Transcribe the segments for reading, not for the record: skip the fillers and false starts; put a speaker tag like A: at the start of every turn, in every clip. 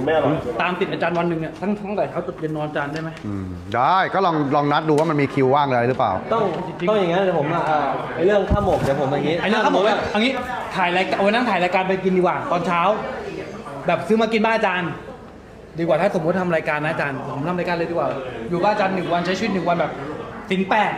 A: ไม่อร่อย
B: ตามติดอาจารย์วันหนึ่งเนี่ยทั้งแต่เช้าจนเย็นนอนอาจารย์ได้ไหม
C: ได้ก็ลองนัดดูว่ามันมีคิวว่างอะไรหรือเปล่า
A: ต้องอย่างนั้นเดี๋ยวผมไอเรื่องข้าวหมกเดี๋ยวผมอย่างนี้
B: ไอ้นั่นเขาบอกว่าเอางี้ถ่ายรายการวันนั้นถ่ายรายการไปกินดีกว่าตอนเช้า แบบซื้อมากินบ้านอาจารย์ ดีกว่าถ้าสมมติทำรายการนะอาจารย์ผมทำรายการเลยดีกว่า อยู่บ้านอาจารย์1 วันใช้ชีวิต1 วันแบบสินแปด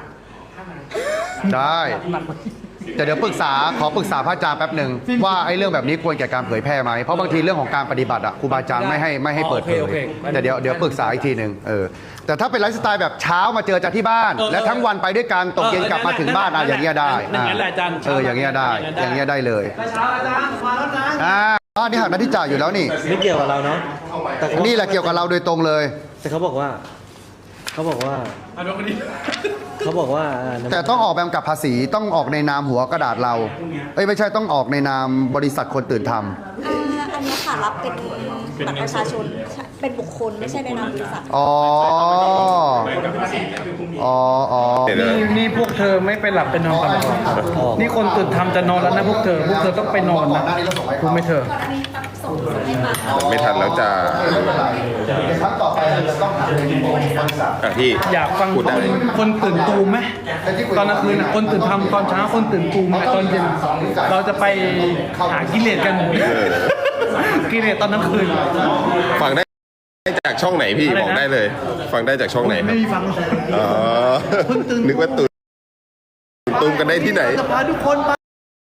C: ได้
B: หนักกว่า
C: แต่เดี๋ยวขอปรึกษาพระอาจารย์แป๊บหนึ่งว่าไอ้เรื่องแบบนี้ควรแก่การเผยแพร่ไหมเพราะบางทีเรื่องของการปฏิบัติอ่ะครูบาอาจารย์ไม่ให้เปิดเผยแต่เดี๋ยวปรึกษาอีกทีหนึ่งแต่ถ้าเป็นไลฟ์สไตล์แบบเช้ามาเจอจากที่บ้าน และทั้งวันไปด้วยกันตกเย็นกลับมาถึงบ้านอย่างเงี้ยได้
B: นั่นแหละอาจารย์
C: อย่างเงี้ยได้เลย
B: เช้าอาจารย์มาแล้วนะ
C: นี่หักหน้าที่จ่ายอยู่แล้วนี่
A: ไม่เกี่ยวกับเราเนาะแต่
C: นี่แหละเกี่ยวกับเราโดยตรงเลย
A: แต่เขาบอกว่า
C: แต่ต้องออกแบบกับภาษีต้องออกในนามหัวกระดาษเราไม่ใช่ต้องออกในนามบริษัทคนตื่นทำ
D: อันนี้ค่ะรับเป็นบัตรประชาชนเป็นบุคคลไม่ใช่ในนามบริษัท
B: นี่พวกเธอไม่ไปหลับไปนอนกันหรอนี่คนตื่นทำจะนอนแล้วนะพวกเธอต้องไปนอนนะรู้ไหมเธอ
E: ไม่ทันแล้วจะ
C: ครั้งต่อไปเราต้องหาเป็นบริษัท
E: พี่
B: อยากฟัง
E: พูดได้
B: คนตื่นตูมไหมตอนกลางคืนคนตื่นทำตอนเช้าคนตื่นตูมตอนเย็นเราจะไปหากิเลสกันกิเลสตอนกลางคืน
E: ฟังได้จากช่องไหนพี่บอกได้เลย ฟังได้จากช่องไหนครับ
B: ไม่มีฟัง
E: อ๋อนึกว่าตื่นตูมกันได้ที่ไหน
B: จะพาทุกคนไป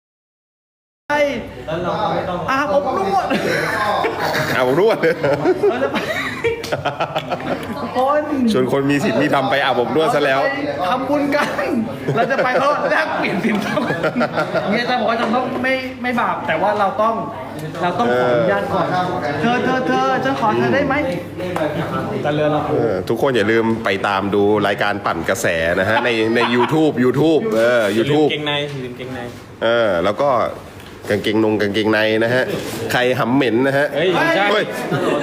B: อาบอบนวด
E: เอารวด
B: เราจะไปคน
E: ชวนคนมีสิทธิ์มีทำไปอาบอบนวดซะแล้ว
B: ทำบุญกัน เราจะไปเพราะแลกเปลี่ยนสินทรัพย์เนี่ยจะบอกว่าจะต้องไม่บาปแต่ว่าเราต้องขออนุญาตก่อนเธอจะขอเธอได้ไหมจะเรือเรา
E: ทุกคนอย่าลืมไปตามดูรายการปั่นกระแสนะฮะใน YouTube YouTube YouTube
A: เกงใน
E: แล้วก็กางเกงในนะฮะใครหำเหม็นนะฮะ
A: เฮ้ยใช่
E: เฮ้ย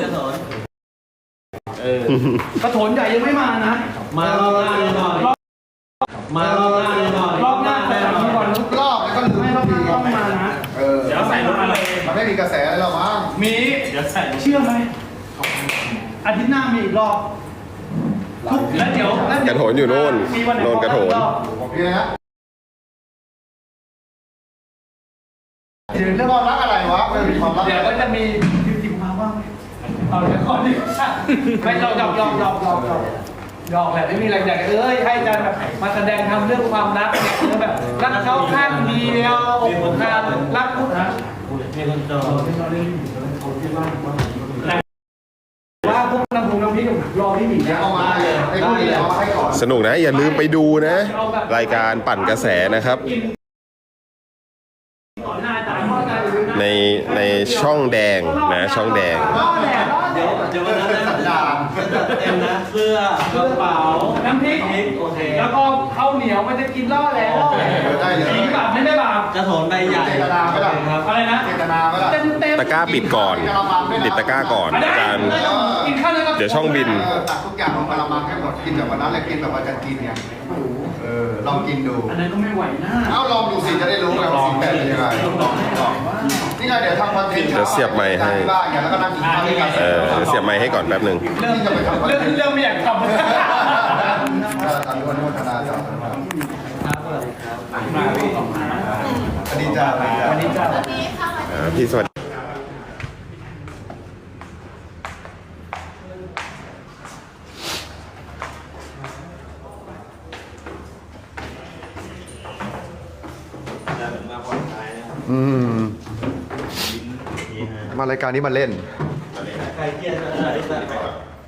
B: กระโถนใหญ่ยังไม่มานะ
A: มารอบหน้าแน่นอนมารอบหน้าแน่นอน
B: รอบหน้าแต่ก่อน
C: รอบแล้วก็ลืม
B: ไม่รอบหน้าต้องมานะ
A: เดี๋ยวใส่ลงมาเลย
C: มันไม่มีกระแสอะไรหรอกมั้ง
B: มีเชื่อไหมอาทิตย์หน้ามีอีกรอบแล้วเดี๋ยว
E: กระโถนอยู่โน่น
B: มีวันไหน
E: โน่นกระโถน
C: โอเคนะเรื่องความรักอะไรวะมันมีความรัก
B: เดี๋ยวก็จะมีจิ๋วมาบ้างไหมเอาเดี๋ยวก่อนดิไม่หยอกแหละไม่มีอะไรอยากให้อาจารย์แบบมาแสดงทำเรื่องความรักเนี่ยเรื่องแบบรักเขาข้างเดียวอกหักรักพุทธะ
A: มีคนจอง
B: ว่าพวกน้ำพุน้ำพริกรอพี่หมีนะ
C: เอามาเลยไอ้พวกนี้เอามาให้ก่อน
E: สนุกนะอย่าลืมไปดูนะ รายการปั่นกระแสนะครับ ในช่องแดงนะช่องแดง
A: เดี๋ยววันนั้นนะจัดเต็มนะเสื้อกระเป๋า
B: น้ำพริก
A: โอเค
B: แล้วก็ข้าวเหนียวมันจะกินล่อแล้ว
C: ได้เลย
B: จริงบาปไม่ได้บาป
A: กระโถนใบใหญ่
C: เจตนาไม่ได้
A: ครับ
B: อะไรนะ
C: เจตนาไม่ได้
B: เต็มเต็ม
E: ตะกร้าปิดก่อนปิดตะกร้าก่อนอาจารย์
B: กินข้าวแล้วก็
E: เดี๋ยวช่องบิน
C: ตักทุกอย่างลงกระมังให้หมดกินแบบวันนั้นเลยกินแบบอาจารย์กินเนี่ยลองกินดู
B: อันนั้นก็ไม่ไหวนะ
C: เอาลองดูสิจะได้รู้ไงว่าสิ่งแบบเป็นยังไงนี่ไงเดี๋ยวทำคอนเทนต์
E: เดี๋ยวเสียบไมค์ให้
C: บ้านอย่างแล้วก็นั่งกินข้าวด้วยกัน
E: เดี๋ยวเสียบไมค์ให้ก่อนแป๊บหนึ่ง
B: เริ่ม
C: ที่จะไปทำคอนเทนต์
B: เริ่มไม่อยากทำ
C: อนุโมทนาจ้าสวัสดีจ้า
B: วันนี้จะ
E: พี่สวัสดี
C: มารายการนี้มาเล่น
A: ใครเครียดก็ได้ที่แบบ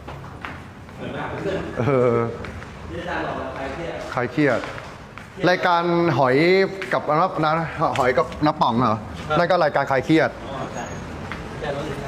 C: ใครเครียด รายการหอยกับน้ำหอยกับน้ำป่องเหรอนั่นก็รายการใครเครียด
A: แต่เรา